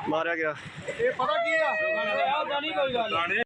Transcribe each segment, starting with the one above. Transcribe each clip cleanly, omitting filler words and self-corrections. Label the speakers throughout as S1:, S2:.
S1: ਮਾਰਿਆ ਗਿਆ।
S2: ਇਹ ਪਤਾ ਕੀ ਆ ਉਹਦਾ ਨਹੀਂ ਕੋਈ ਗੱਲ।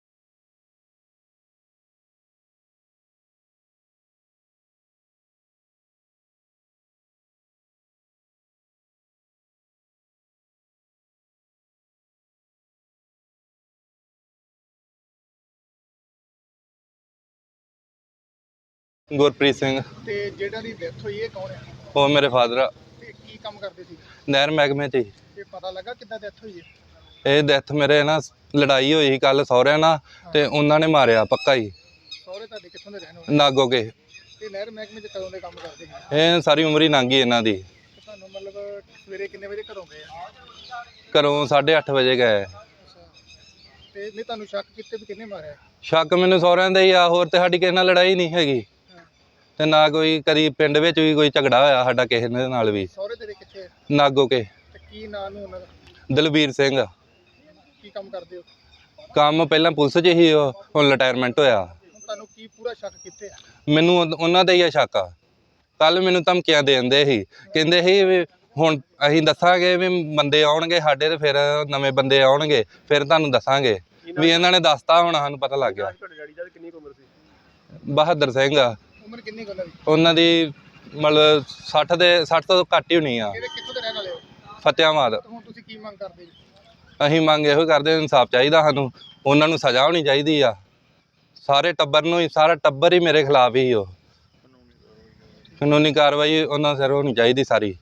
S3: ਗੁਰਪ੍ਰੀਤ ਸਿੰਘ
S2: ਤੇ ਜਿਹੜਾ ਦੀ ਡੈਥ ਹੋਈ ਇਹ ਕੌਣ ਹੈ?
S3: ਉਹ ਮੇਰੇ ਫਾਦਰ ਆ।
S2: ਤੇ ਕੀ ਕੰਮ ਕਰਦੇ ਸੀ?
S3: ਨਹਿਰ ਮਹਿਕਮੇ 'ਚ ਹੀ।
S2: ਤੇ ਪਤਾ ਲੱਗਾ ਕਿੱਦਾਂ ਡੈਥ ਹੋਈ ਹੈ?
S3: ਇਹ ਡੈਥ ਮੇਰੇ ਨਾ ਲੜਾਈ ਹੋਈ ਸੀ ਕੱਲ ਸਹੁਰਿਆਂ ਨਾਲ ਤੇ ਉਹਨਾਂ ਨੇ ਮਾਰਿਆ ਪੱਕਾ ਹੀ।
S2: ਸਹੁਰੇ ਤੁਹਾਡੇ ਕਿੱਥੋਂ ਦੇ ਰਹਿਣ ਵਾਲੇ?
S3: ਨਾਗੋ ਕੇ।
S2: ਤੇ ਨਹਿਰ ਮਹਿਕਮੇ 'ਚ ਕਦੋਂ ਦੇ ਕੰਮ ਕਰਦੇ ਸੀ?
S3: ਇਹ ਸਾਰੀ ਉਮਰ ਹੀ ਲੰਘ ਗਈ ਇਹਨਾਂ ਦੀ।
S2: ਤੁਹਾਨੂੰ ਮਤਲਬ ਸਵੇਰੇ ਕਿੰਨੇ ਵਜੇ ਘਰੋਂ ਗਏ ਆ?
S3: ਘਰੋਂ 8:30 ਵਜੇ ਗਏ।
S2: ਤੇ ਨਹੀਂ ਤੁਹਾਨੂੰ ਸ਼ੱਕ ਕਿਤੇ ਵੀ ਕਿੰਨੇ ਮਾਰਿਆ?
S3: ਸ਼ੱਕ ਮੈਨੂੰ ਸਹੁਰਿਆਂ ਦਾ ਹੀ ਆ, ਹੋਰ ਤੇ ਸਾਡੀ ਕਿਸੇ ਨਾਲ ਲੜਾਈ ਨਹੀਂ ਹੈਗੀ ਤੇ ਨਾ ਕੋਈ ਕਦੀ ਪਿੰਡ ਵਿੱਚ ਵੀ ਕੋਈ ਝਗੜਾ ਹੋਇਆ ਸਾਡਾ ਕਿਸੇ ਦੇ ਨਾਲ ਵੀ।
S2: ਸਹੁਰੇ ਤੇਰੇ ਕਿੱਥੇ?
S3: ਨਾਗੋ ਕੇ।
S2: ਤੇ ਕੀ ਨਾਂ ਨੂੰ ਉਹਨਾਂ ਦਾ?
S3: ਦਲਬੀਰ ਸਿੰਘ।
S2: ਕੀ ਕੰਮ ਕਰਦੇ ਹੋ?
S3: ਕੰਮ ਪਹਿਲਾਂ ਪੁਲਿਸ 'ਚ ਹੀ, ਹੁਣ ਰਿਟਾਇਰਮੈਂਟ ਹੋਇਆ।
S2: ਤੁਹਾਨੂੰ ਕੀ ਪੂਰਾ ਸ਼ੱਕ ਕਿੱਥੇ ਆ?
S3: ਮੈਨੂੰ ਉਹਨਾਂ ਦਾ ਹੀ ਆ ਸ਼ੱਕ ਆ। ਕੱਲ ਮੈਨੂੰ ਧਮਕੀਆਂ ਦੇ ਦਿੰਦੇ ਸੀ, ਕਹਿੰਦੇ ਸੀ ਵੀ ਹੁਣ ਅਸੀਂ ਦੱਸਾਂਗੇ ਵੀ ਬੰਦੇ ਆਉਣਗੇ ਸਾਡੇ ਤੇ ਫਿਰ ਨਵੇਂ ਬੰਦੇ ਆਉਣਗੇ ਫਿਰ ਤੁਹਾਨੂੰ ਦੱਸਾਂਗੇ ਵੀ ਇਹਨਾਂ ਨੇ ਦੱਸਤਾ ਹੁਣ ਸਾਨੂੰ ਪਤਾ ਲੱਗ ਗਿਆ।
S1: ਤੁਹਾਡੇ ਡੈਡੀ ਦਾ ਕਿੰਨੀ ਉਮਰ ਸੀ?
S3: ਬਹਾਦਰ ਸਿੰਘ ਆ।
S2: ਉਮਰ ਕਿੰਨੀ ਕੁ
S3: ਉਹਨਾਂ ਦੀ ਮਤਲਬ 60 ਤੋਂ ਘੱਟ ਹੀ ਹੋਣੀ ਆ।
S2: ਕਿੱਥੋਂ ਦੇ ਰਹਿਣ ਵਾਲੇ ਹੋ?
S3: ਫਤਿਆਬਾਦ।
S2: ਹੁਣ ਤੁਸੀਂ ਕੀ ਮੰਗ ਕਰਦੇ ਜੀ?
S3: ਅਸੀਂ ਮੰਗ ਇਹੋ ਕਰਦੇ ਇਨਸਾਫ ਚਾਹੀਦਾ ਸਾਨੂੰ, ਉਹਨਾਂ ਨੂੰ ਸਜ਼ਾ ਹੋਣੀ ਚਾਹੀਦੀ ਆ। ਸਾਰੇ ਟੱਬਰ ਨੂੰ ਹੀ, ਸਾਰਾ ਟੱਬਰ ਹੀ ਮੇਰੇ ਖਿਲਾਫ ਹੀ ਉਹ ਕਾਨੂੰਨੀ ਕਾਰਵਾਈ ਉਹਨਾਂ ਸਿਰ ਹੋਣੀ ਚਾਹੀਦੀ ਸਾਰੀ।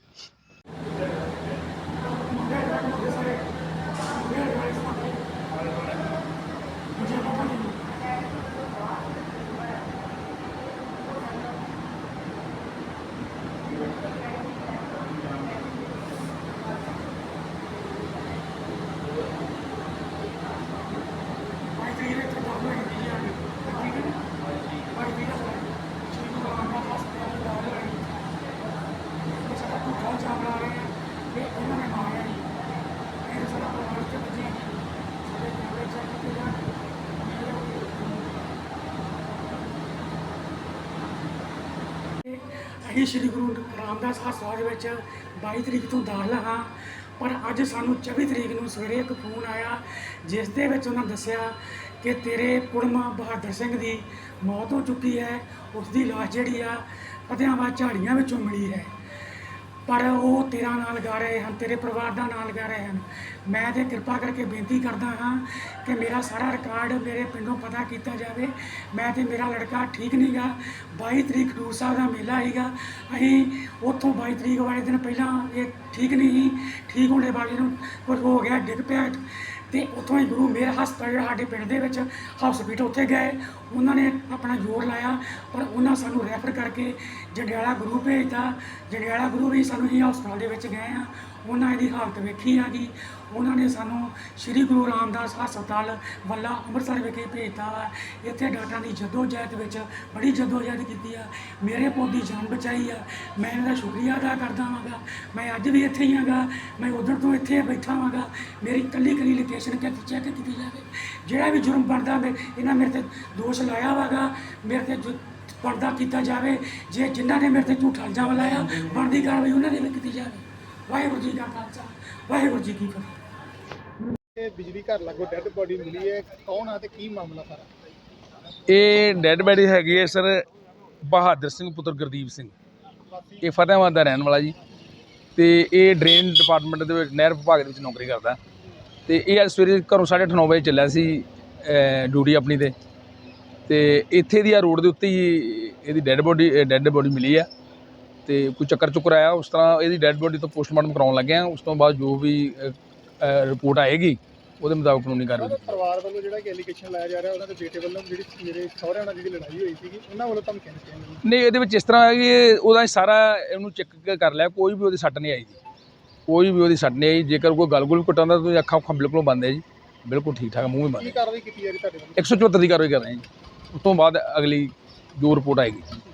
S4: ਅਸੀਂ ਸ਼੍ਰੀ ਗੁਰੂ ਰਾਮਦਾਸ ਹਸਪਤਾਲ ਵਿੱਚ 22 ਤਰੀਕ ਤੋਂ ਦਾਖਲ ਹਾਂ, ਪਰ ਅੱਜ ਸਾਨੂੰ 24 ਤਰੀਕ ਨੂੰ ਸਵੇਰੇ ਇੱਕ ਫੋਨ ਆਇਆ ਜਿਸ ਦੇ ਵਿੱਚ ਉਹਨਾਂ ਦੱਸਿਆ ਕਿ ਤੇਰੇ ਕੁੜਮਾ ਬਹਾਦਰ ਸਿੰਘ ਦੀ ਮੌਤ ਹੋ ਚੁੱਕੀ ਹੈ। ਉਸ ਦੀ ਲਾਸ਼ ਜਿਹੜੀ ਆ ਫਤਿਆਬਾਦ ਝਾੜੀਆਂ ਵਿੱਚੋਂ ਮਿਲੀ ਹੈ, ਪਰ ਉਹ ਤੇਰਾ ਨਾਂ ਲਗਾ ਰਹੇ ਹਨ, ਤੇਰੇ ਪਰਿਵਾਰ ਦਾ ਨਾਂ ਲਗਾ ਰਹੇ ਹਨ। ਮੈਂ ਤੇ ਕਿਰਪਾ ਕਰਕੇ ਬੇਨਤੀ ਕਰਦਾ ਹਾਂ ਕਿ ਮੇਰਾ ਸਾਰਾ ਰਿਕਾਰਡ ਮੇਰੇ ਪਿੰਡੋਂ ਪਤਾ ਕੀਤਾ ਜਾਵੇ। ਮੈਂ ਤੇ ਮੇਰਾ ਲੜਕਾ ਠੀਕ ਨਹੀਂ ਗਾ। 22 ਤਰੀਕ ਹਜ਼ੂਰ ਸਾਹਿਬ ਦਾ ਮੇਲਾ ਸੀਗਾ, ਅਸੀਂ ਉੱਥੋਂ 22 ਤਰੀਕ ਵਾਲੇ ਦਿਨ ਪਹਿਲਾਂ ਇਹ ਠੀਕ ਨਹੀਂ ਸੀ, ਠੀਕ ਹੋਣੇ ਵਾਲੇ ਨੂੰ ਕੁਝ ਹੋ ਗਿਆ, ਡਿੱਗ ਪਿਆ ਤੇ ਉੱਥੋਂ ਹੀ ਗੁਰੂ ਮੇਰ ਹਸਪਤਾਲ ਜਿਹੜਾ ਸਾਡੇ ਪਿੰਡ ਦੇ ਵਿੱਚ ਹਸਪੀਟਲ ਉੱਥੇ ਗਏ। ਉਹਨਾਂ ਨੇ ਆਪਣਾ ਜ਼ੋਰ ਲਾਇਆ ਪਰ ਉਹਨਾਂ ਸਾਨੂੰ ਰੈਫਰ ਕਰਕੇ ਜੰਡਿਆਲਾ ਗੁਰੂ ਭੇਜਤਾ। ਜੰਡਿਆਲਾ ਗੁਰੂ ਵੀ ਸਾਨੂੰ ਹੀ ਹਸਪਤਾਲ ਦੇ ਵਿੱਚ ਗਏ ਆ, ਉਹਨਾਂ ਇਹਦੀ ਹਾਲਤ ਵੇਖੀ ਆ ਗਈ। ਉਹਨਾਂ ਨੇ ਸਾਨੂੰ ਸ਼੍ਰੀ ਗੁਰੂ ਰਾਮਦਾਸ ਹਸਪਤਾਲ ਵੱਲਾ ਅੰਮ੍ਰਿਤਸਰ ਵਿਖੇ ਭੇਜਤਾ ਵਾ। ਇੱਥੇ ਡਾਕਟਰਾਂ ਦੀ ਜਦੋਜਹਿਦ ਵਿੱਚ ਬੜੀ ਜਦੋਜਹਿਦ ਕੀਤੀ ਆ, ਮੇਰੇ ਪੁੱਤ ਦੀ ਜਾਨ ਬਚਾਈ ਆ। ਮੈਂ ਇਹਨਾਂ ਦਾ ਸ਼ੁਕਰੀਆ ਅਦਾ ਕਰਦਾ ਹਾਂ। ਮੈਂ ਅੱਜ ਵੀ ਇੱਥੇ ਹੀ ਹਾਂ, ਮੈਂ ਉਧਰ ਤੋਂ ਇੱਥੇ ਬੈਠਾ ਹਾਂ। ਮੇਰੀ ਇਕੱਲੀ ਲੋਕੇਸ਼ਨ ਚੈੱਕ ਕੀਤੀ ਜਾਵੇ। ਜਿਹੜਾ ਵੀ ਜੁਰਮ ਬਣਦਾ ਇਹਨਾਂ ਮੇਰੇ ਤੇ ਦੋਸ਼ ਲਾਇਆ ਵਾ, ਮੇਰੇ ਤੇ ਪਰਦਾ ਕੀਤਾ ਜਾਵੇ। ਜੇ ਜਿਨ੍ਹਾਂ ਨੇ ਮੇਰੇ ਤੇ ਝੂਠਾ ਇਲਜ਼ਾਮ ਲਾਇਆ ਬਣਦੀ ਕਾਰਵਾਈ ਉਹਨਾਂ ਨੇ ਵੀ ਕੀਤੀ ਜਾਵੇ। ਵਾਹਿਗੁਰੂ ਜੀ ਕਾ ਖਾਲਸਾ, ਵਾਹਿਗੁਰੂ ਜੀ ਕੀ ਫਤਿਹ।
S2: ਇਹ ਬਿਜਲੀ ਘਰ ਲਾਗੋ ਡੈੱਡ ਬੋਡੀ ਮਿਲੀ ਹੈ, ਕੌਣ ਆ ਤੇ ਕੀ ਮਾਮਲਾ ਸਾਰਾ?
S5: ਇਹ ਡੈੱਡ ਬੋਡੀ ਹੈਗੀ ਹੈ ਸਰ ਬਹਾਦਰ ਸਿੰਘ ਪੁੱਤਰ ਗੁਰਦੀਪ ਸਿੰਘ। ਇਹ ਫਤਿਆਬਾਦ ਦਾ ਰਹਿਣ ਵਾਲਾ ਜੀ ਤੇ ਇਹ ਡਰੇਨ ਡਿਪਾਰਟਮੈਂਟ ਦੇ ਵਿੱਚ ਨਹਿਰ ਵਿਭਾਗ ਦੇ ਵਿੱਚ ਨੌਕਰੀ ਕਰਦਾ। ਤੇ ਇਹ ਅੱਜ ਸਵੇਰੇ ਘਰੋਂ 9:30 ਵਜੇ ਚੱਲਿਆ ਸੀ ਡਿਊਟੀ ਆਪਣੀ ਤੇ ਇੱਥੇ ਦੀ ਆ ਰੋਡ ਦੇ ਉੱਤੇ ਹੀ ਇਹਦੀ ਡੈੱਡ ਬੋਡੀ ਮਿਲੀ ਆ। ਤੇ ਕੋਈ ਚੱਕਰ ਆਇਆ, ਉਸ ਤਰ੍ਹਾਂ ਇਹਦੀ ਡੈੱਡ ਬੋਡੀ ਤੋਂ ਪੋਸਟਮਾਰਟਮ ਕਰਾਉਣ ਲੱਗੇ ਆ। ਉਸ ਤੋਂ ਬਾਅਦ ਜੋ ਵੀ ਰਿਪੋਰਟ ਆਏਗੀ ਉਹਦੇ ਮੁਤਾਬਕ ਕਾਨੂੰਨੀ ਕਾਰਵਾਈ।
S2: ਪਰਿਵਾਰ ਵੱਲੋਂ ਜਿਹੜਾ ਕਿ ਐਲੀਗੇਸ਼ਨ ਲਾਇਆ ਜਾ ਰਿਹਾ ਉਹਨਾਂ ਦੇ ਬੇਟੇ ਵੱਲੋਂ ਜਿਹੜੀ ਮੇਰੇ ਸਹੁਰਿਆਂ ਨਾਲ ਜਿਹੜੀ ਲੜਾਈ ਹੋਈ ਸੀਗੀ ਉਹਨਾਂ ਵੱਲੋਂ ਧਮਕੀਆਂ ਦਿੱਤੀਆਂ
S5: ਨਹੀਂ, ਇਹਦੇ ਵਿੱਚ ਇਸ ਤਰ੍ਹਾਂ ਹੈ ਕਿ ਉਹਦਾ ਸਾਰਾ ਇਹਨੂੰ ਚੈੱਕ ਕਰ ਲਿਆ, ਕੋਈ ਵੀ ਉਹਦੀ ਸੱਟ ਨਹੀਂ ਆਈ ਜੀ, ਕੋਈ ਵੀ ਉਹਦੀ ਸੱਟ ਨਹੀਂ ਆਈ। ਜੇਕਰ ਕੋਈ ਗੱਲ ਗੁਲ ਘਟਾਉਂਦਾ ਤਾਂ ਅੱਖਾਂ ਬਿਲਕੁਲ ਬੰਦ ਹੈ ਜੀ, ਬਿਲਕੁਲ ਠੀਕ ਠਾਕ, ਮੂੰਹ ਵੀ ਬੰਦ।
S2: ਕੀ ਕਾਰਵਾਈ ਕੀਤੀ ਜਾ ਰਹੀ ਤੁਹਾਡੇ ਵੱਲੋਂ?
S5: 174 ਦੀ ਕਾਰਵਾਈ ਕਰ ਰਹੇ ਹਾਂ ਜੀ, ਉਸ ਤੋਂ ਬਾਅਦ ਅਗਲੀ ਜੋ ਰਿਪੋਰਟ ਆਏਗੀ।